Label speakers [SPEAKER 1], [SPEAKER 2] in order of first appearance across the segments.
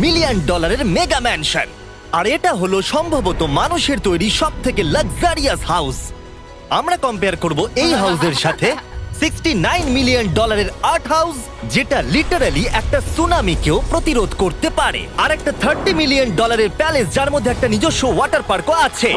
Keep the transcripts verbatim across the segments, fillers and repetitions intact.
[SPEAKER 1] Million ডলারের mega mansion. আর এটা হলো সম্ভবত মানুষের তৈরি সব থেকে লাক্সারিয়াস হাউস। আমরা কম্পেয়ার করব এই হাউসের সাথে সিক্সটি নাইন মিলিয়ন ডলারের আর্ট হাউস, যেটা লিটারালি একটা সুনামিকেও প্রতিরোধ করতে পারে, আর একটা থার্টি মিলিয়ন ডলারের প্যালেস যার মধ্যে একটা নিজস্ব ওয়াটার পার্কও আছে।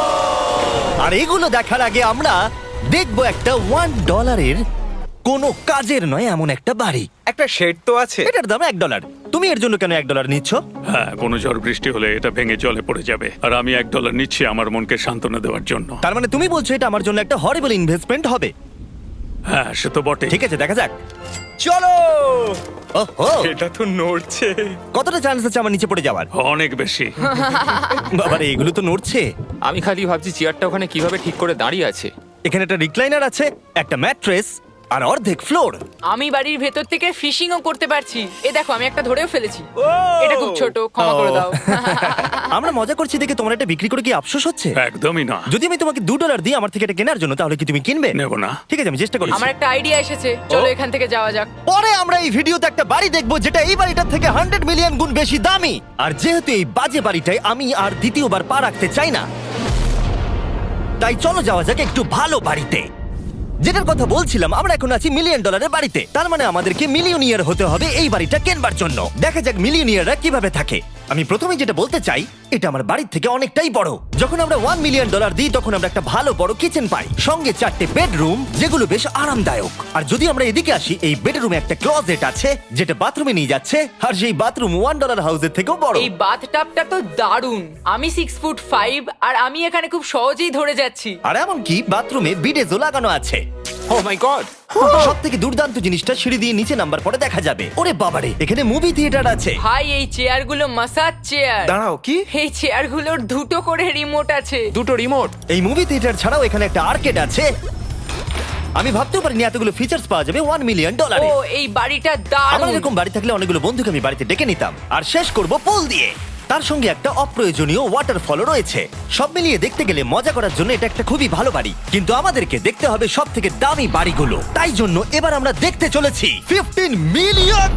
[SPEAKER 1] আর এগুলো দেখার আগে আমরা দেখব একটা ওয়ান ডলারের কোনো কাজের নয় এমন একটা বাড়ি।
[SPEAKER 2] একটা শেড তো আছে।
[SPEAKER 1] এটার দাম এক ডলার। তুমি এর জন্য কেন এক ডলার নিচ্ছ?
[SPEAKER 3] হ্যাঁ, কোনো ঝড় বৃষ্টি হলে এটা ভেঙে জলে পড়ে যাবে, আর আমি এক ডলার নিচ্ছি আমার মনকে সান্ত্বনা দেওয়ার জন্য।
[SPEAKER 1] তার মানে তুমি বলছো এটা আমার জন্য একটা হরিবল ইনভেস্টমেন্ট হবে?
[SPEAKER 3] হ্যাঁ, সে তো বটে।
[SPEAKER 1] ঠিক আছে, দেখা যাক।
[SPEAKER 2] চলো।
[SPEAKER 1] ওহো,
[SPEAKER 2] এটা তো নড়ছে।
[SPEAKER 1] কতটা চান্স আছে আমার নিচে পড়ে যাওয়ার?
[SPEAKER 3] অনেক বেশি।
[SPEAKER 1] বাবারে, এগুলো তো নড়ছে।
[SPEAKER 4] আমি খালি ভাবছি চেয়ারটা ওখানে কিভাবে ঠিক করে দাঁড়িয়ে আছে।
[SPEAKER 1] এখানে একটা রিক্লাইনার আছে, একটা ম্যাট্রেস আর অর্ধেক ফ্লোর।
[SPEAKER 5] আমি বাড়ির ভেতর থেকে ফিশিংও করতে পারছি। এ দেখো, আমি একটা ধরেও ফেলেছি। এটা খুব ছোট, ক্ষমা করে দাও।
[SPEAKER 1] আমরা মজা করছি দেখে তোমার এটা বিক্রি করে কি আফসোস হচ্ছে?
[SPEAKER 3] একদমই না।
[SPEAKER 1] যদি আমি তোমাকে দু ডলার দিই আমার থেকে এটা কেনার জন্য, তাহলে কি তুমি কিনবে?
[SPEAKER 3] নেব না।
[SPEAKER 1] ঠিক আছে, আমি চেষ্টা করছি।
[SPEAKER 5] আমার একটা আইডিয়া এসেছে, চলো এখান থেকে যাওয়া যাক।
[SPEAKER 1] পরে আমরা এই ভিডিওতে একটা বাড়ি দেখবো যেটা এই বাড়িটার থেকে হান্ড্রেড মিলিয়ন গুণ বেশি দামি। আর যেহেতু এই বাজে বাড়িটায় আমি আর দ্বিতীয়বার পা রাখতে চাই না, তাই চলো যাওয়া যাক একটু ভালো বাড়িতে। যেটার কথা বলছিলাম, আমরা এখন আছি মিলিয়ন ডলারের বাড়িতে। তার মানে আমাদেরকে মিলিয়নিয়ার হতে হবে এই বাড়িটা কেনবার জন্য। দেখা যাক মিলিয়নিয়াররা কিভাবে থাকে। আমি প্রথমে যেটা বলতে চাই, এটা আমার বাড়ির থেকে অনেকটাই বড়। যখন আমরা ওয়ান মিলিয়ন ডলার দিই তখন আমরা একটা ভালো বড় কিচেন পাই, সঙ্গে চারটে বেডরুম যেগুলো বেশ আরামদায়ক। আর যদি আমরা এদিকে আসি, এই বেডরুমে একটা ক্লোজেট আছে যেটা বাথরুমে নিয়ে যাচ্ছে, আর সেই বাথরুম ওয়ান ডলার হাউসের থেকেও বড়।
[SPEAKER 5] এই বাথটাবটা তো দারুণ। আমি সিক্স ফুট ফাইভ আর আমি এখানে খুব সহজেই ধরে যাচ্ছি।
[SPEAKER 1] আর এমনকি বাথরুমে বিডেজও লাগানো আছে।
[SPEAKER 4] Oh my god!
[SPEAKER 1] সব থেকে দুর্দান্ত জিনিসটা, সিঁড়ি দিয়ে নিচে নাম্বার পরে দেখা যাবে। ওরে বাবারে, এখানে মুভি থিয়েটার আছে।
[SPEAKER 5] ভাই, এই চেয়ারগুলো মাসাজ চেয়ার।
[SPEAKER 2] দাঁড়াও, কি?
[SPEAKER 5] এই চেয়ারগুলোর দুটো করে রিমোট আছে।
[SPEAKER 4] দুটো রিমোট।
[SPEAKER 1] এই মুভি থিয়েটার ছাড়াও এখানে একটা আর্কেড আছে। আমি ভাবতেও পারিনি এতগুলো ফিচার্স পাওয়া যাবে ওয়ান মিলিয়ন ডলারে।
[SPEAKER 5] ও, এই বাড়িটা
[SPEAKER 1] আমার
[SPEAKER 5] দারুণ।
[SPEAKER 1] এরকম বাড়ি থাকলে অনেকগুলো বন্ধুকে আমি বাড়িতে ডেকে নিতাম। আর শেষ করব পুল দিয়ে। তার সঙ্গে একটা অপ্রয়োজনীয় ওয়াটারফলও রয়েছে। সব মিলিয়ে দেখতে গেলে মজা করার জন্য এটা একটা খুবই ভালো বাড়ি, কিন্তু আমাদেরকে দেখতে হবে সব থেকে দামি বাড়িগুলো। তাই জন্য এবার আমরা দেখতে চলেছি fifteen million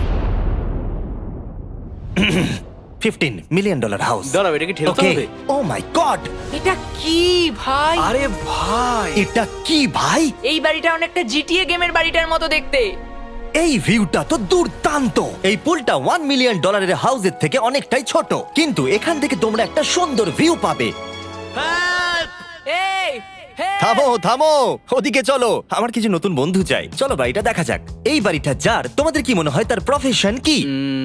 [SPEAKER 1] fifteen million dollar house.
[SPEAKER 2] দাঁড়াও, এটা কি ঠেলতে হবে?
[SPEAKER 1] ও মাই গড,
[SPEAKER 5] এটা কি ভাই?
[SPEAKER 2] আরে ভাই,
[SPEAKER 1] এটা কি ভাই?
[SPEAKER 5] এই বাড়িটা অনেকটা জিটিএ গেমের বাড়িটার মতো দেখতে।
[SPEAKER 1] এই ভিউটা তো দুর্দান্ত। এই পুলটা ওয়ান মিলিয়ন ডলারের হাউসের থেকে অনেকটাই ছোট, কিন্তু এখান থেকে তোমরা একটা সুন্দর ভিউ পাবে।
[SPEAKER 5] এই, হে!
[SPEAKER 1] থামো থামো, ওদিকে চলো। আমার কিছু নতুন বন্ধু চাই, চলো বাড়িটা দেখা যাক। এই বাড়িটা যার, তোমাদের কি মনে হয় তার প্রফেশন কি?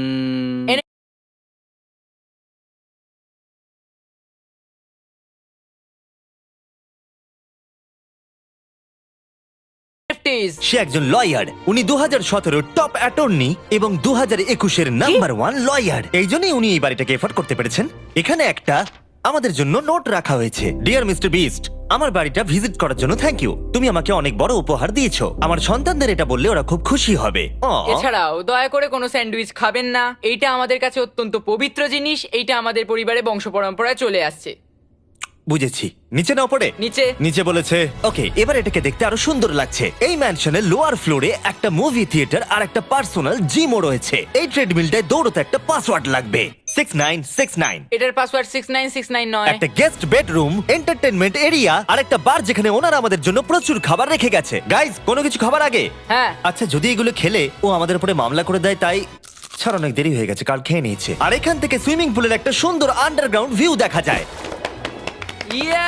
[SPEAKER 1] সে একজন লয়ার। উনি দু হাজার সতেরো টপ অ্যাটর্নি এবং দু হাজার একুশের নাম্বার ওয়ান লয়ার। এই জন্যই উনি এই বাড়িটাকে এফোর্ড করতে পেরেছেন। এখানে একটা আমাদের জন্য নোট রাখা হয়েছে। ডিয়ার মিস্টার বিস্ট, আমার বাড়িটা ভিজিট করার জন্য থ্যাংক ইউ। তুমি আমাকে অনেক বড় উপহার দিয়েছো। আমার সন্তানদের এটা বললে ওরা খুব খুশি হবে। Aw.
[SPEAKER 5] এছাড়াও দয়া করে কোনো স্যান্ডউইচ খাবেন না। এইটা আমাদের কাছে অত্যন্ত পবিত্র জিনিস। এইটা আমাদের পরিবারে বংশ পরম্পরায় চলে আসছে।
[SPEAKER 1] বুঝেছি, নিচে নাও পড়ে।
[SPEAKER 5] নিচে।
[SPEAKER 1] নিচে বলেছে। ওকে, এবার এটাকে দেখতে আরো সুন্দর লাগছে। এই ম্যানশনের লোয়ার ফ্লোরে একটা মুভি থিয়েটার আর একটা পার্সোনাল জিমও রয়েছে। এই ট্রেডমিলটায় দৌড়তে একটা পাসওয়ার্ড লাগবে, সিক্স নাইন সিক্স নাইন।
[SPEAKER 5] এটার password six nine six nine নয়।
[SPEAKER 1] একটা গেস্ট বেডরুম, এন্টারটেইনমেন্ট এরিয়া আর একটা বার যেখানে ওনারা আমাদের জন্য প্রচুর খাবার রেখে গেছে। গাইজ, কোনো কিছু খাবার আগে?
[SPEAKER 5] হ্যাঁ।
[SPEAKER 1] আচ্ছা, যদি এগুলো খেলে ও আমাদের উপরে মামলা করে দেয়, তাই ছাড়, অনেক দেরি হয়ে গেছে, কাল খেয়ে নিয়েছে। আর এখান থেকে সুইমিং পুলের একটা সুন্দর আন্ডারগ্রাউন্ড ভিউ দেখা যায়।
[SPEAKER 5] ইয়া!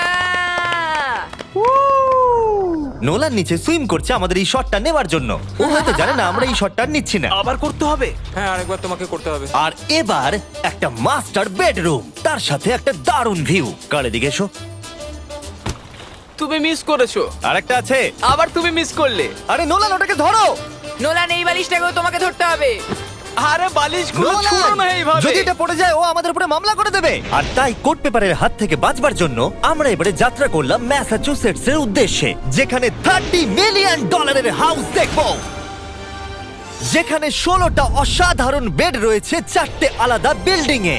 [SPEAKER 1] নোলান নিচে সুইম করছে আমাদের এই শটটা নেওয়ার জন্য। ও হয়তো জানে না আমরা এই শটটা নিচ্ছি না।
[SPEAKER 2] আবার করতে হবে?
[SPEAKER 4] হ্যাঁ, আরেকবার তোমাকে করতে হবে।
[SPEAKER 1] আর এবার একটা মাস্টার বেডরুম, তার সাথে একটা দারুণ ভিউ। কাল এদিকে এসো।
[SPEAKER 2] তুমি মিস করেছো।
[SPEAKER 1] আর একটা আছে।
[SPEAKER 2] আবার তুমি মিস করলে।
[SPEAKER 1] আরে নোলান, ওটাকে ধরো।
[SPEAKER 5] নোলান, এই বালিশটাকেও তোমাকে ধরতে হবে।
[SPEAKER 2] আরে বালিশগুলো
[SPEAKER 1] নোলান,
[SPEAKER 2] ছুঁড়ো না এইভাবে।
[SPEAKER 1] যদি এটা পড়ে যায় ও আমাদের উপরে মামলা করে দেবে। আর তাই কোর্ট পেপারের হাত থেকে বাঁচবার জন্য আমরা এবারে যাত্রা করলাম ম্যাসাচুসেটস এর উদ্দেশ্যে, যেখানে থার্টি মিলিয়ন ডলারের হাউস দেখবো, যেখানে ষোলোটা অসাধারণ বেড রয়েছে চারটে আলাদা বিল্ডিং এ।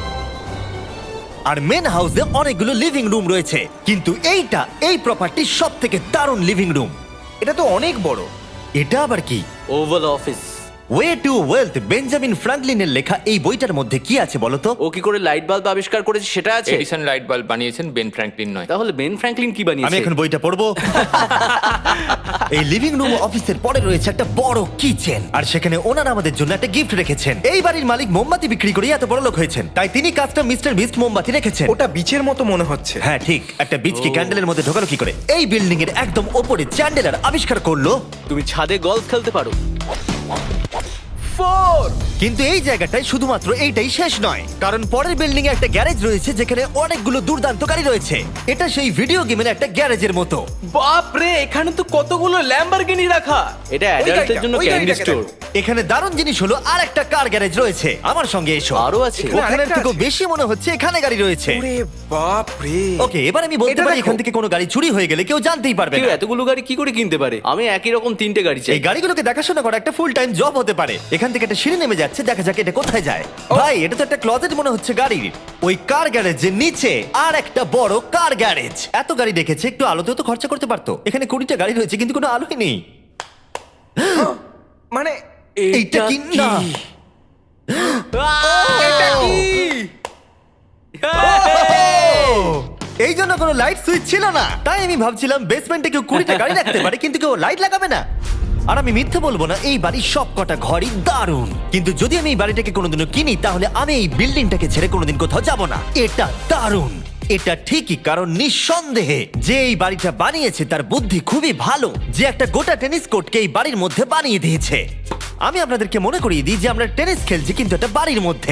[SPEAKER 1] আর মেন হাউসে অনেকগুলো লিভিং রুম রয়েছে, কিন্তু এইটা এই প্রপার্টির সব থেকে দারুণ লিভিং রুম।
[SPEAKER 2] এটা তো অনেক বড়।
[SPEAKER 1] এটা আবার কি?
[SPEAKER 6] Oval office.
[SPEAKER 1] Way to wealth Benjamin ফ্রাঙ্কলিনের লেখা এই বইটার মধ্যে কি আছে বলো তো?
[SPEAKER 2] ও কি করে লাইট বাল্ব আবিষ্কার করেছে সেটা আছে?
[SPEAKER 4] এডিসন লাইট বাল্ব বানিয়েছেন, বেন ফ্র্যাঙ্কলিন নয়।
[SPEAKER 2] তাহলে বেন ফ্র্যাঙ্কলিন কি বানিয়েছে?
[SPEAKER 1] আমি এখন বইটা পড়বো। এই লিভিং রুম অফিসের পরে রয়েছে একটা বড় কিচেন, আর সেখানে ওনারা আমাদের জন্য একটা গিফট রেখেছেন। এই বাড়ির মালিক মোমবাতি বিক্রি করে এত বড় লোক হয়েছেন, তাই তিনি কাজটা মিস্টার বিস্ট মোমবাতি রেখেছেন।
[SPEAKER 6] ওটা বিচের মতো মনে হচ্ছে।
[SPEAKER 1] হ্যাঁ ঠিক, একটা বীজ কি ক্যান্ডেলের মধ্যে ঢোকালো কি করে? এই বিল্ডিং এর একদম ওপরে চ্যান্ডেলার আবিষ্কার করলো,
[SPEAKER 2] তুমি ছাদে গলফ খেলতে পারো। ফোর
[SPEAKER 1] কিন্তু এই জায়গাটায় শুধুমাত্র এইটাই শেষ নয়, কারণ পরের বিল্ডিং এ একটা গ্যারেজ রয়েছে যেখানে অনেকগুলো দুর্দান্ত গাড়ি রয়েছে। এটা সেই ভিডিও গেমের একটা গ্যারেজের মতো।
[SPEAKER 2] বাপ রে, এখানে তো কতগুলো ল্যাম্বরগিনি রাখা। এটা অ্যাডাল্টদের
[SPEAKER 6] গাড়িটা,
[SPEAKER 2] জন্য
[SPEAKER 6] ওই
[SPEAKER 2] ক্যান্ডি
[SPEAKER 6] গাড়িটাকে
[SPEAKER 2] স্টোর।
[SPEAKER 1] এখানে দারুণ জিনিস হলো আর একটা কার গ্যারেজ রয়েছে। আমার সঙ্গে এসো।
[SPEAKER 2] আরো আছে?
[SPEAKER 1] ওখানের
[SPEAKER 6] আরেকটা
[SPEAKER 1] থেকেও
[SPEAKER 6] আছে?
[SPEAKER 1] বেশি মনে হচ্ছে এখানে গাড়ি রয়েছে।
[SPEAKER 6] ওরে বাপ রে।
[SPEAKER 1] ওকে, এবার আমি বলতে
[SPEAKER 6] এটা
[SPEAKER 1] পারি
[SPEAKER 6] দেখো।
[SPEAKER 1] এখান থেকে কোনো গাড়ি চুরি হয়ে গেলে কেউ জানতেই পারবে
[SPEAKER 2] কেউ
[SPEAKER 1] না।
[SPEAKER 2] এতগুলো গাড়ি কি করে কিনতে পারে? আমি একই রকম তিনটে গাড়ি চাই।
[SPEAKER 1] এই গাড়িগুলোকে দেখাশোনা করা একটা ফুল টাইম জব হতে পারে। এখান থেকে একটা সিঁড়ি নেমে যাচ্ছে, দেখা যাক এটা কোথায় যায়। ভাই, এটা তো একটা ক্লজেট মনে হচ্ছে গাড়ির। ওই কার গ্যারেজের নিচে আর একটা বড় কার গ্যারেজ। এত গাড়ি দেখেছে, একটু আলোতেও তো খরচা করতে পারতো। এখানে কুড়িটা গাড়ি রয়েছে কিন্তু কোনো আলোই নেই।
[SPEAKER 6] মানে
[SPEAKER 1] এইটা কি না?
[SPEAKER 6] এটা কি?
[SPEAKER 1] এই জন্য কোনো লাইট সুইচ ছিল না, তাই আমি ভাবছিলাম বেসমেন্টে কেউ কুড়িটা গাড়ি রাখতে পারে কিন্তু কেউ লাইট লাগাবে না। আর আমি মিথ্যে বলবো না, এই বাড়ির সব কটা ঘরই দারুণ। কিন্তু যদি আমি এই বাড়িটাকে কোনোদিনও কিনি তাহলে আমি এই বিল্ডিংটাকে ছেড়ে কোনোদিন কোথাও যাব না। এটা দারুণ। এটা ঠিকই, কারণ নিঃসন্দেহে যে এই বাড়িটা বানিয়েছে তার বুদ্ধি খুবই ভালো, যে একটা গোটা টেনিস কোর্টকে এই বাড়ির মধ্যে বানিয়ে দিয়েছে। আমি আপনাদেরকে মনে করিয়ে দিই যে আমরা টেনিস খেলছি কিন্তু একটা বাড়ির মধ্যে।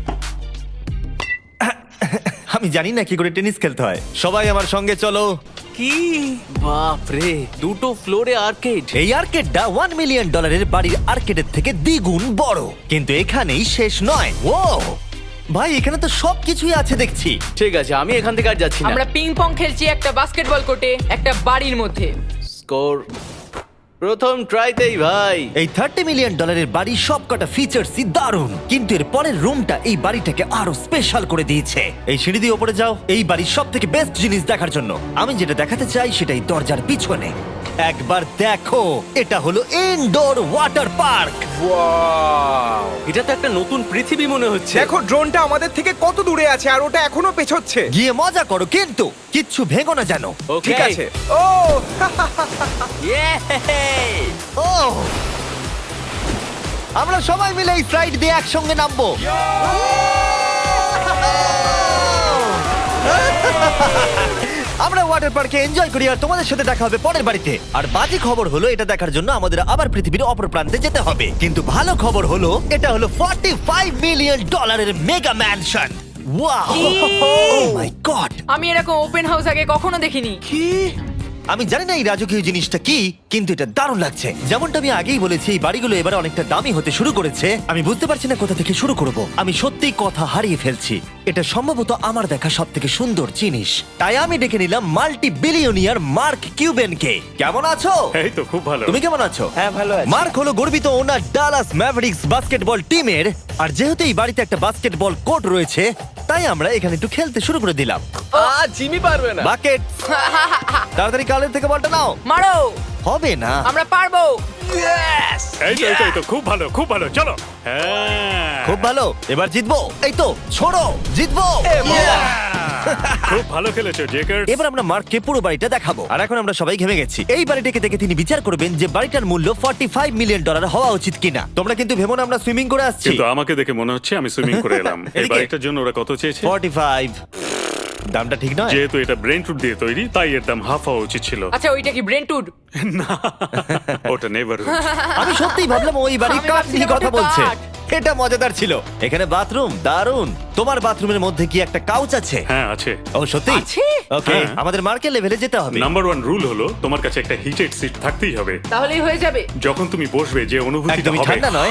[SPEAKER 1] আমি জানি না কি করে টেনিস খেলতে হয়। সবাই আমার সঙ্গে চলো।
[SPEAKER 2] কি বাপ রে, দুটো ফ্লোরে আর্কেড।
[SPEAKER 1] এই আর্কেডটা ওয়ান মিলিয়ন ডলারের বাড়ির আর্কেডের থেকে দ্বিগুণ বড়। কিন্তু এখানেই শেষ নয়। ও ভাই, এখানে তো সবকিছুই আছে দেখছি।
[SPEAKER 2] ঠিক আছে, আমি এখান থেকে আর যাচ্ছি না।
[SPEAKER 5] আমরা পিং পং খেলছি একটা বাস্কেটবল কোর্টে, একটা বাড়ির মধ্যে।
[SPEAKER 2] স্কোর প্রথম ট্রাইতেই ভাই।
[SPEAKER 1] এই থার্টি মিলিয়ন ডলারের বাড়ি সব কটা ফিচার্সই দারুণ, কিন্তু এর পরের রুমটা এই বাড়িটাকে আরো স্পেশাল করে দিয়েছে। এই সিঁড়ি দিয়ে উপরে যাও এই বাড়ির সব থেকে বেস্ট জিনিস দেখার জন্য। আমি যেটা দেখাতে চাই সেটাই দরজার পিছনে। একবার দেখো, এটা হলো ইনডোর ওয়াটার পার্ক।
[SPEAKER 6] ওয়াও!
[SPEAKER 2] এটা তো একটা নতুন পৃথিবী মনে হচ্ছে।
[SPEAKER 6] দেখো ড্রোনটা আমাদের থেকে কত দূরে আছে আর ওটা এখনো পেছচ্ছে।
[SPEAKER 1] গিয়ে মজা করো, কিন্তু কিচ্ছু ভেঙো না যেন।
[SPEAKER 2] Okay.
[SPEAKER 6] ঠিক আছে। ও
[SPEAKER 2] Yay!
[SPEAKER 1] ও, আমরা সবাই মিলে এই ফ্লাইট দিয়ে একসঙ্গে নামবো। আমরা ওয়াটার পার্কে এনজয় করি আর তোমাদের সাথে দেখা হবে পরের বাড়িতে। আর বাজে খবর হলো, এটা দেখার জন্য আমাদের আবার পৃথিবীর অপর প্রান্তে যেতে হবে। কিন্তু ভালো খবর হলো, এটা হলো পঁয়তাল্লিশ মিলিয়ন ডলারের mega mansion. Wow! Oh my god!
[SPEAKER 5] আমি এরকম ওপেন হাউস আগে কখনো দেখিনি।
[SPEAKER 1] আমি জানি না এই রাজকীয় জিনিসটা কি, কিন্তু এটা দারুণ লাগছে। যেমনটা আমি আগেই বলেছি, এই বাড়িগুলো এবার অনেকটা দামি হতে শুরু করেছে। আমি বুঝতে পারছি না কোথা থেকে শুরু করব। আমি সত্যিই কথা হারিয়ে ফেলছি। এটা সম্ভবত আমার দেখা সব থেকে সুন্দর জিনিস। তাই আমি ডেকে নিলাম মাল্টি বিলিয়নিয়ার মার্ক কিউবেনকে। কেমন আছো?
[SPEAKER 3] এই তো খুব ভালো।
[SPEAKER 1] তুমি কেমন আছো?
[SPEAKER 6] হ্যাঁ, ভালো আছি।
[SPEAKER 1] মার্ক হলো গর্বিত ওনার ডালাস ম্যাভরিক্স বাস্কেটবল টিমের। আর যেহেতু এই বাড়িতে একটা বাস্কেটবল কোর্ট রয়েছে, তাই আমরা এখানে একটু খেলতে শুরু করে দিলাম।
[SPEAKER 2] আ জিমি পারবে না।
[SPEAKER 1] বাকেট, তাড়াতাড়ি কালের থেকে বলটা নাও।
[SPEAKER 5] মারো,
[SPEAKER 1] হবে না।
[SPEAKER 5] আমরা পারবো।
[SPEAKER 3] এই তো এই তো, এই তো খুব ভালো খুব ভালো, চলো। হ্যাঁ
[SPEAKER 1] খুব ভালো, এবার জিতবো। এই তো, ছোড়ো, জিতবো।
[SPEAKER 3] খুব ভালো খেলেছো জেকার।
[SPEAKER 1] এবার আমরা মার্ককে পুরো বাড়িটা দেখাবো। আর এখন আমরা সবাই ঘেমে গেছি। এই বাড়িটাকে দেখে তিনি বিচার করবেন যে বাড়িটার মূল্য পঁয়তাল্লিশ মিলিয়ন ডলার হওয়া উচিত কিনা। তোমরা কিন্তু ভেবো না আমরা সুইমিং করে আসছি।
[SPEAKER 3] কিন্তু আমাকে দেখে মনে হচ্ছে আমি সুইমিং করে এলাম। এই
[SPEAKER 1] এদিকে।
[SPEAKER 3] বাড়িটার জন্য ওরা কত চেয়েছে?
[SPEAKER 1] পঁয়তাল্লিশ। দামটা ঠিক নয়।
[SPEAKER 3] যেহেতু এটা ব্রেন টুড দিয়ে তৈরি, তাই এর দাম হাফ হওয়া উচিত ছিল।
[SPEAKER 5] আচ্ছা, ওইটা কি ব্রেন্টুড?
[SPEAKER 3] ওটা নেভার।
[SPEAKER 1] আমি সত্যিই ভাবলাম ওই বাড়ির
[SPEAKER 5] আমি
[SPEAKER 1] কাঠ
[SPEAKER 5] ভাবছিলাম
[SPEAKER 1] নিয়ে কথা
[SPEAKER 5] ওটা
[SPEAKER 1] বলছে।
[SPEAKER 5] কাঠ।
[SPEAKER 1] এটা মজাদার ছিল। এখানে বাথরুম দারুণ। তোমার বাথরুমের মধ্যে কি একটা কাউচ আছে?
[SPEAKER 3] হ্যাঁ আছে।
[SPEAKER 1] ও সত্যি?
[SPEAKER 5] আছে?
[SPEAKER 1] ওকে,
[SPEAKER 3] হ্যাঁ।
[SPEAKER 1] আমাদের মার্কেট লেভেলে যেতে হবে।
[SPEAKER 3] নাম্বার ওয়ান রুল হলো তোমার কাছে একটা হিটেড সিট থাকতেই হবে।
[SPEAKER 5] তাহলেই হয়ে যাবে।
[SPEAKER 3] যখন তুমি বসবে যে অনুভূতিটা
[SPEAKER 1] একদমই
[SPEAKER 3] হবে
[SPEAKER 1] ঠান্ডা নয়।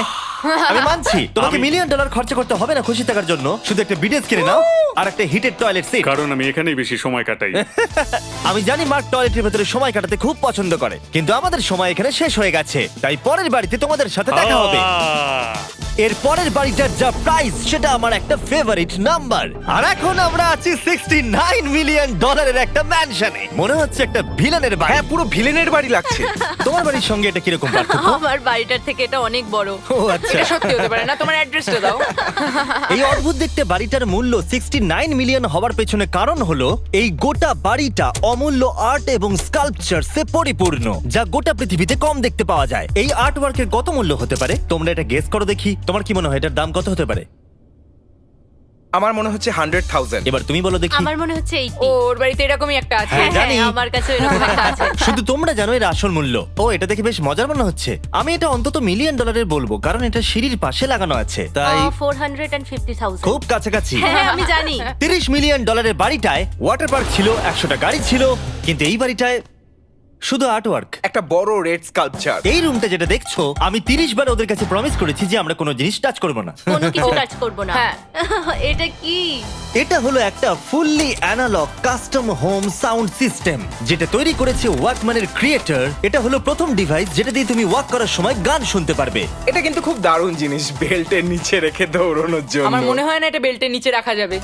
[SPEAKER 1] আমি মানছি তোমাকে মিলিয়ন ডলার খরচা করতে হবে না খুশি থাকার জন্য, শুধু একটা বিডেস কিনে নাও আর একটা হিটেড টয়লেট সিট।
[SPEAKER 3] কারণ আমি এখানেই বেশি সময় কাটাই।
[SPEAKER 1] আমি জানি মার্ক টয়লেটের ভেতরে সময় কাটাতে খুব পছন্দ করে, কিন্তু আমাদের সময় এখানে শেষ হয়ে গেছে, তাই পরের বাড়িতে তোমাদের সাথে দেখা হবে।
[SPEAKER 3] আহ!
[SPEAKER 1] এর পরের বাড়িটার যা প্রাইস সেটা আমার একটা ফেভারিট নাম্বার। আর এখন আমরা আছি সিক্সটি নাইন মিলিয়ন ডলারের একটা ম্যানশনে। মনে হচ্ছে একটা ভিলেনের বাড়ি।
[SPEAKER 6] হ্যাঁ, পুরো ভিলেনের বাড়ি লাগছে।
[SPEAKER 1] তোমার বাড়ির সঙ্গে এটা কিরকম পার্থক্য?
[SPEAKER 7] আমার বাড়িটার থেকে এটা অনেক বড়।
[SPEAKER 1] ও আচ্ছা।
[SPEAKER 5] এটা সত্যি হতে পারে না, তোমার অ্যাড্রেসটা দাও।
[SPEAKER 1] এই অদ্ভুত দেখতে বাড়িটার মূল্য সিক্সটি নাইন মিলিয়ন হওয়ার পেছনে কারণ হলো এই গোটা বাড়িটা অমূল্য আর্ট এবং স্কাল্পচারসে পরিপূর্ণ, যা গোটা পৃথিবীতে কম দেখতে পাওয়া যায়। এই আর্ট ওয়ার্কের কত মূল্য হতে পারে তোমরা এটা গেস করো দেখি। তোমার কি মনে হয় এটার দাম কত হতে পারে?
[SPEAKER 6] আমার মনে হচ্ছে হান্ড্রেড থাউজেন্ড।
[SPEAKER 1] এবার তুমি বলো দেখি।
[SPEAKER 7] আমার মনে হচ্ছে এইটি।
[SPEAKER 5] ও, ওর বাড়িতে এরকমই একটা আছে।
[SPEAKER 1] হ্যাঁ, জানি।
[SPEAKER 7] আমার কাছে এরকম একটা আছে।
[SPEAKER 1] শুধু তোমরা জানো এর আসল মূল্য। ও, এটা দেখে বেশ মজার মনে হচ্ছে। আমি এটা অন্তত মিলিয়ন ডলারের বলবো, কারণ এটা সিঁড়ির পাশে লাগানো আছে, তাই
[SPEAKER 7] ফোর হান্ড্রেড ফিফটি থাউজেন্ড।
[SPEAKER 1] খুব কাছাকাছি।
[SPEAKER 7] হ্যাঁ, আমি জানি।
[SPEAKER 1] তিরিশ মিলিয়ন ডলারের বাড়িটায় ওয়াটার পার্ক ছিল, একশোটা গাড়ি ছিল, কিন্তু এই বাড়িটায় শুধু আর্ট ওয়ার্ক।
[SPEAKER 6] একটা বড় রেড স্কাল্পচার।
[SPEAKER 1] এই রুমটা যেটা দেখছো, আমি তিরিশ বার ওদের কাছে প্রমিস করেছি যে আমরা কোনো জিনিস টাচ করবো না।
[SPEAKER 7] কোনো কিছু টাচ করব না।
[SPEAKER 5] হ্যাঁ।
[SPEAKER 7] এটা কি?
[SPEAKER 1] এটা হলো একটা fully analog custom home sound system, যেটা তৈরি করেছে ওয়াকম্যানের ক্রিয়েটর। এটা হলো প্রথম ডিভাইস যেটা দিয়ে তুমি ওয়াক করার সময় গান শুনতে পারবে।
[SPEAKER 6] এটা কিন্তু খুব দারুণ জিনিস, বেল্টের নিচে রেখে দৌড়ানোর জন্য।
[SPEAKER 5] আমার মনে হয় না এটা বেল্টের নিচে রাখা যাবে।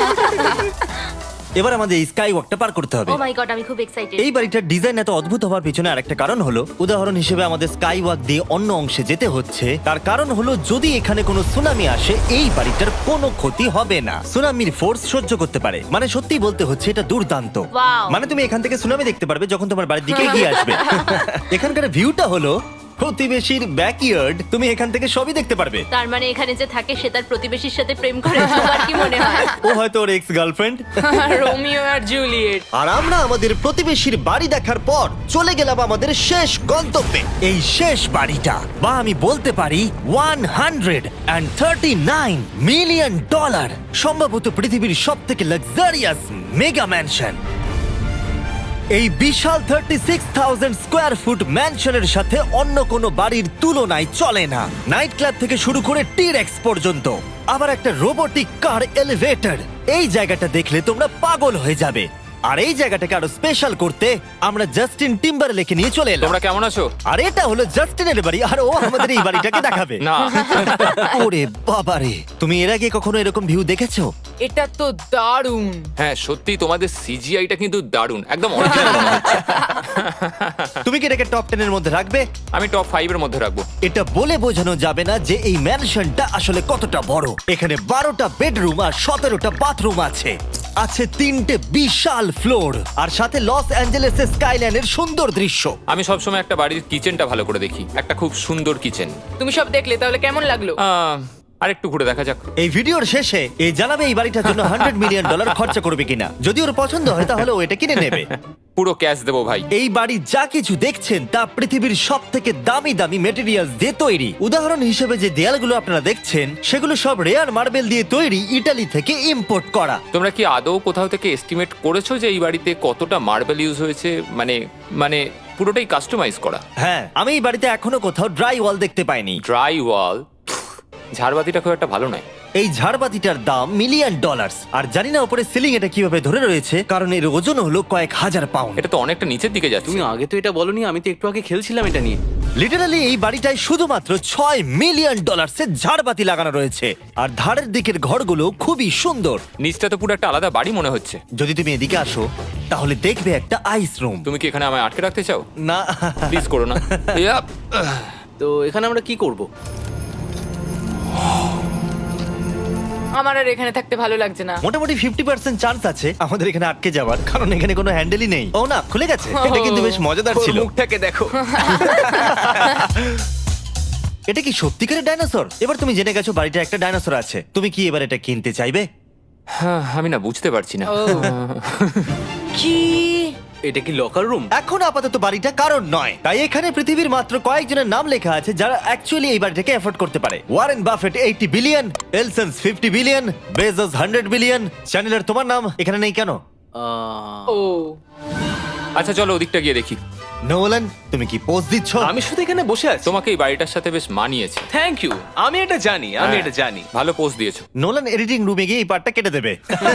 [SPEAKER 1] এবার আমাদের এই স্কাই ওয়াকটা পার করতে হবে।
[SPEAKER 7] ও মাই গড, আমি খুব এক্সাইটেড।
[SPEAKER 1] এই বাড়িটার ডিজাইন এত অদ্ভুত হওয়ার পিছনে আরেকটা কারণ হলো, উদাহরণ হিসেবে আমাদের স্কাই ওয়াক দিয়ে অন্য অংশে যেতে হচ্ছে। তার কারণ হলো যদি এখানে কোনো সুনামি আসে এই বাড়িটার কোনো ক্ষতি হবে না। সুনামির ফোর্স সহ্য করতে পারে, মানে সত্যি বলতে হচ্ছে এটা দুর্দান্ত।
[SPEAKER 7] Wow.
[SPEAKER 1] মানে তুমি এখান থেকে সুনামি দেখতে পারবে যখন তোমার বাড়ির দিকে এগিয়ে আসবে। এখানকার ভিউটা হলো প্রতিবেশীর ব্যাকইয়ার্ড, তুমি এখান থেকে সবই দেখতে পারবে।
[SPEAKER 7] তার মানে এখানে যে থাকে সে তার প্রতিবেশীর সাথে প্রেম করে, তোমার কি মনে হয়?
[SPEAKER 1] ও হয়তো ওর এক্স গার্লফ্রেন্ড।
[SPEAKER 5] রোমিও আর জুলিয়েট।
[SPEAKER 1] আর আমরা আমাদের প্রতিবেশীর বাড়ি দেখার পর চলে গেলাম আমাদের শেষ গন্তব্যে। এই শেষ বাড়িটা, বা আমি বলতে পারি one hundred thirty nine million dollar, সম্ভবত পৃথিবীর সব থেকে লাক্সারিয়াস মেগা ম্যানশন। এই বিশাল thirty six thousand square foot ম্যানশনের সাথে অন্য কোনো বাড়ির তুলনায় চলে না। নাইট ক্লাব থেকে শুরু করে টিরেক্স পর্যন্ত, আবার একটা রোবোটিক কার এলিভেটর। এই জায়গাটা দেখলে তোমরা পাগল হয়ে যাবে। আর এই জায়গাটাকে আরো স্পেশাল করতে আমরা জাস্টিন টিম্বারলেকে নিয়ে চলে এলাম।
[SPEAKER 4] তোমরা কেমন আছো?
[SPEAKER 1] আর এটা হলো জাস্টিনের বাড়ি, আর ও আমাদের এই বাড়িটাকে দেখাবে।
[SPEAKER 4] না।
[SPEAKER 1] ওরে বাবারে, তুমি এর আগে কখনো এরকম ভিউ দেখেছো?
[SPEAKER 5] এটা তো দারুণ।
[SPEAKER 4] হ্যাঁ, সত্যি তোমাদের সিজিআইটা কিন্তু দারুণ, একদম অরিজিনাল মনে হচ্ছে।
[SPEAKER 1] তুমি কি এটাকে টপ টেন এর মধ্যে রাখবে?
[SPEAKER 4] আমি টপ ফাইভ এর মধ্যে রাখবো।
[SPEAKER 1] এটা বলে বোঝানো যাবে না যে এই ম্যানশনটা আসলে কতটা বড়। এখানে বারোটা বেডরুম আর সতেরোটা বাথরুম আছে, আছে তিনটে বিশাল ফ্লোর, আর সাথে লস অ্যাঞ্জেলেসের স্কাইলাইনের সুন্দর দৃশ্য।
[SPEAKER 4] আমি সবসময় একটা বাড়ির কিচেনটা ভালো করে দেখি, একটা খুব সুন্দর কিচেন।
[SPEAKER 5] তুমি সব দেখলে, তাহলে কেমন লাগলো?
[SPEAKER 4] আর একটু ঘুরে দেখা যাক।
[SPEAKER 1] এই ভিডিওর শেষে এই জানাবে এই বাড়িটার জন্য হান্ড্রেড মিলিয়ন ডলার খরচা করবে কিনা। যদি ওর পছন্দ হয় তাহলে ও এটা কিনে নেবে।
[SPEAKER 4] পুরো ক্যাশ দেবো ভাই।
[SPEAKER 1] এই বাড়ি যা কিছু দেখছেন তা পৃথিবীর সব থেকে দামি দামি মেটেরিয়াল দিয়ে তৈরি। উদাহরণ হিসেবে যে দেয়ালগুলো আপনারা দেখছেন সেগুলো সব রেয়ার মার্বেল দিয়ে তৈরি, ইটালি থেকে ইম্পোর্ট করা।
[SPEAKER 4] তোমরা কি আদৌ কোথাও থেকে এস্টিমেট করেছো যে এই বাড়িতে কতটা মার্বেল ইউজ হয়েছে? মানে মানে পুরোটাই কাস্টমাইজ করা।
[SPEAKER 1] হ্যাঁ, আমি এই বাড়িতে এখনো কোথাও ড্রাই ওয়াল দেখতে পাইনি।
[SPEAKER 4] ড্রাই ওয়াল? ঝাড়বাতিটা খুব একটা ভালো নয়।
[SPEAKER 1] এই ঝাড়বাতিটার দাম মিলিয়ন ডলার, আর জানি না উপরে সিলিং এটা কিভাবে ধরে রয়েছে, কারণ এর ওজন হলো কয়েক হাজার পাউন্ড।
[SPEAKER 4] এটা তো অনেকটা নিচের দিকে যাচ্ছে।
[SPEAKER 2] তুমি আগে তো এটা বলনি, আমি তো একটু আগে খেলছিলাম এটা নিয়ে।
[SPEAKER 1] লিটারালি এই বাড়িটায় শুধুমাত্র ছয় মিলিয়ন ডলার্সের ঝাড়বাতি লাগানো রয়েছে, আর ধারের দিকের ঘরগুলো খুবই সুন্দর।
[SPEAKER 4] নিচটা তো পুরো একটা আলাদা বাড়ি মনে হচ্ছে।
[SPEAKER 1] যদি তুমি এদিকে আসো তাহলে দেখবে একটা আইস রুম।
[SPEAKER 4] তুমি কি এখানে আমায় আটকে রাখতে চাও?
[SPEAKER 1] না,
[SPEAKER 4] প্লিজ করো না। ইয়াপ।
[SPEAKER 2] তো এখানে আমরা কি করব?
[SPEAKER 5] আমার আর এখানে থাকতে ভালো লাগছে না।
[SPEAKER 1] মোটামুটি ফিফটি পার্সেন্ট চান্স আছে আমাদের এখানে আটকে যাওয়ার, কারণ এখানে কোনো হ্যান্ডেলই নেই। ও না, খুলে গেছে। এটা কিন্তু বেশ মজাদার
[SPEAKER 6] ওর
[SPEAKER 1] ছিল।
[SPEAKER 6] মুখটাকে দেখো।
[SPEAKER 1] এটা কি সত্যিকারের ডাইনোসর? এবার তুমি জেনে গেছো বাড়িটা একটা ডাইনোসর আছে, তুমি কি এবার এটা কিনতে চাইবে?
[SPEAKER 4] হ্যাঁ, আমি না বুঝতে পারছি না।
[SPEAKER 5] ও। কি?
[SPEAKER 2] এটা কি লকার রুম?
[SPEAKER 1] এখন আপাতত বাড়িটা কারণ নয়, তাই এখানে পৃথিবীর মাত্র কয়েকজনের নাম লেখা আছে যারা অ্যাকচুয়ালি এই বাড়িটাকে এফোর্ড করতে পারে। Warren Buffett eighty billion, Ellison's fifty billion, Bezos hundred billion. চ্যানেলের তোমার নাম এখানে নেই কেন?
[SPEAKER 2] আহ,
[SPEAKER 5] ও।
[SPEAKER 4] আচ্ছা চলো ওদিকটা গিয়ে দেখি।
[SPEAKER 1] নোলান তুমি কি পোজ দিচ্ছ?
[SPEAKER 2] আমি শুধু এখানে বসে আছি।
[SPEAKER 4] তোমাকে এই বাড়িটার সাথে বেশ মানিয়েছে।
[SPEAKER 2] Thank you. আমি এটা জানি, আমি
[SPEAKER 4] হ্যাঁ,
[SPEAKER 2] এটা জানি।
[SPEAKER 4] ভালো পোস্ট দিয়েছো।
[SPEAKER 1] নোলান এডিটিং রুমে গিয়ে এই পার্টটা কেটে দেবে।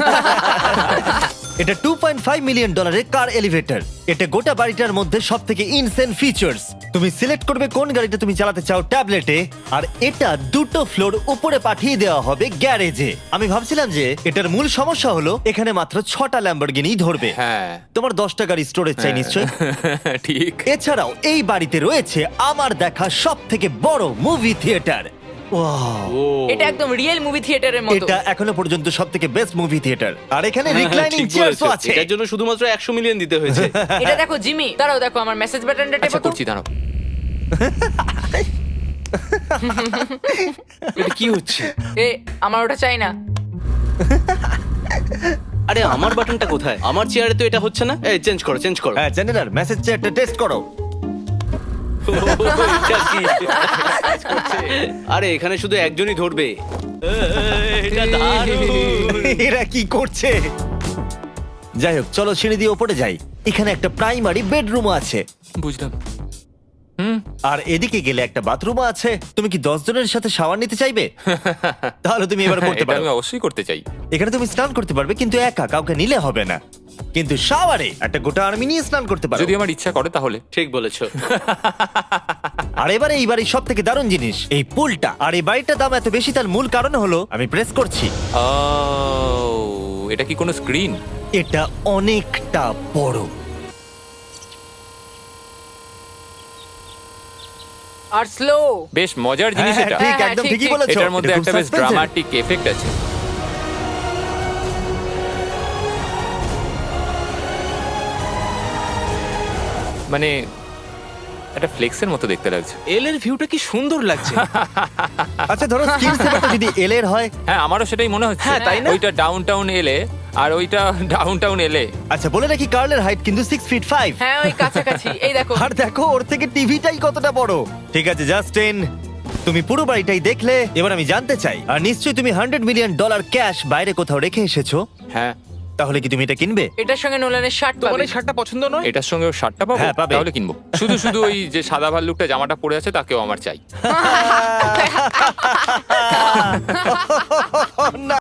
[SPEAKER 1] এটা টু পয়েন্ট ফাইভ মিলিয়ন ডলারের কার এলিভেটর। এটা গোটা বাড়িটার মধ্যে সব থেকে ইনসেন ফিচার্স। তুমি সিলেক্ট করবে কোন গাড়িটা তুমি চালাতে চাও ট্যাবলেটে, আর এটা দুটো ফ্লোর উপরে পাঠিয়ে দেওয়া হবে গ্যারেজে। আমি ভাবছিলাম যে এটার মূল সমস্যা হলো এখানে মাত্র ছটা ল্যাম্বরগিনি ধরবে।
[SPEAKER 4] হ্যাঁ।
[SPEAKER 1] তোমার দশটা গাড়ি স্টোরেজ চাই নিশ্চয়ই।
[SPEAKER 4] ঠিক।
[SPEAKER 1] এছাড়াও এই বাড়িতে রয়েছে আমার দেখা সব থেকে বড় মুভি থিয়েটার।
[SPEAKER 5] এটা একদম রিয়েল মুভি থিয়েটারের মতো।
[SPEAKER 1] এটা এখনো পর্যন্ত সব থেকে বেস্ট মুভি থিয়েটার। আর এখানে
[SPEAKER 2] হ্যাঁ,
[SPEAKER 1] রিক্লাইনিং
[SPEAKER 2] ঠিক
[SPEAKER 1] চেয়ারও
[SPEAKER 2] বলেছো।
[SPEAKER 1] আছে।
[SPEAKER 2] এটার জন্য শুধুমাত্র একশো মিলিয়ন দিতে হয়েছে।
[SPEAKER 5] এটা দেখো জিমি, দাঁড়াও দেখো আমার মেসেজ বাটনটা
[SPEAKER 4] আচ্ছা
[SPEAKER 5] টেপো তো।
[SPEAKER 4] করছি, দাঁড়াও।
[SPEAKER 2] এটা কি হচ্ছে?
[SPEAKER 5] এ আমার ওটা চাই না।
[SPEAKER 2] আরে আমার বাটনটা কোথায়? আমার চেয়ারে তো এটা হচ্ছে না। এই চেঞ্জ করো, চেঞ্জ করো।
[SPEAKER 1] হ্যাঁ জেনারেল মেসেজ চেয়ারটা টেস্ট করো।
[SPEAKER 2] এটা কি? আরে এখানে শুধু একজনই ধরবে। এটা দারুণ।
[SPEAKER 1] এরা কি করছে? যাই হোক চলো সিঁড়ি দিয়ে ওপরে যাই। এখানে একটা প্রাইমারি বেডরুম আছে,
[SPEAKER 4] বুঝলাম।
[SPEAKER 1] আর এদিকে গেলে একটা বাথরুম আছে। তুমি কি দশ জনের সাথে শাওয়ার নিতে চাইবে? তাহলে তুমি এবার করতে
[SPEAKER 4] এটা
[SPEAKER 1] পারো।
[SPEAKER 4] আমি অবশ্যই করতে চাই।
[SPEAKER 1] এখানে তুমি স্নান করতে পারবে, কিন্তু একা, কাউকে নিলে হবে না। কিন্তু শাওয়ারে একটা গোটা আর্মি নিয়ে স্নান করতে পারো।
[SPEAKER 4] যদি আমার ইচ্ছা করে তাহলে।
[SPEAKER 2] ঠিক বলেছো।
[SPEAKER 1] আর এবারে এই বাড়ির সব থেকে দারুণ জিনিস এই পুলটা। আর এই বাড়িটার দাম এত বেশি তার মূল কারণ হলো, আমি প্রেস করছি,
[SPEAKER 4] ও, এটা কি কোনো স্ক্রিন?
[SPEAKER 1] এটা অনেকটা বড়।
[SPEAKER 5] আর স্লো।
[SPEAKER 4] বেশ মজার জিনিস
[SPEAKER 1] হ্যাঁ,
[SPEAKER 4] এটা।
[SPEAKER 1] ঠিক
[SPEAKER 5] হ্যাঁ,
[SPEAKER 1] একদম
[SPEAKER 5] ঠিক,
[SPEAKER 1] ঠিকই
[SPEAKER 5] ঠিক।
[SPEAKER 1] বলেছো।
[SPEAKER 4] এটার মধ্যে
[SPEAKER 1] এটা খুব
[SPEAKER 4] একটা বেশ
[SPEAKER 1] suspense-এর।
[SPEAKER 4] ড্রামাটিক এফেক্ট আছে। মানে একটা ফ্লেক্সের মতো দেখতে লাগছে।
[SPEAKER 2] এল এর ভিউটা কি সুন্দর লাগছে।
[SPEAKER 1] আচ্ছা ধরো স্ক্রিন সেভারটা যদি এল এর হয়।
[SPEAKER 4] হ্যাঁ, আমারও সেটাই মনে হচ্ছে।
[SPEAKER 2] হ্যাঁ, তাই না?
[SPEAKER 4] ওইটা ডাউন টাউন এলে আর ওইটা ডাউন টাউন এলে।
[SPEAKER 1] আচ্ছা বলে রাখি কার্লের হাইট কিন্তু সিক্স ফিট ফাইভ।
[SPEAKER 5] হ্যাঁ ওই কাছাকাছি। এই দেখো।
[SPEAKER 1] আর দেখো ওর থেকে টিভিটাই কতটা বড়। ঠিক আছে জাস্টিন, তুমি পুরো বাড়িটাই দেখলে, এবার আমি জানতে চাই, আর নিশ্চয়ই তুমি হান্ড্রেড মিলিয়ন ডলার ক্যাশ বাইরে কোথাও রেখে এসেছো,
[SPEAKER 4] হ্যাঁ,
[SPEAKER 1] তাহলে কি তুমি এটা কিনবে?
[SPEAKER 5] এটার সঙ্গে নোলানের শার্ট
[SPEAKER 2] তোমার
[SPEAKER 5] পাবে।
[SPEAKER 2] এই শার্টটা পছন্দ নয়?
[SPEAKER 4] এটার সঙ্গে ওর শার্টটা পাবো?
[SPEAKER 1] হ্যাঁ, পাবে।
[SPEAKER 4] তাহলে কিনবো। শুধু শুধু ওই যে সাদা ভাল্লুকটা জামাটা পরে আছে তাকেও আমার চাই।
[SPEAKER 1] না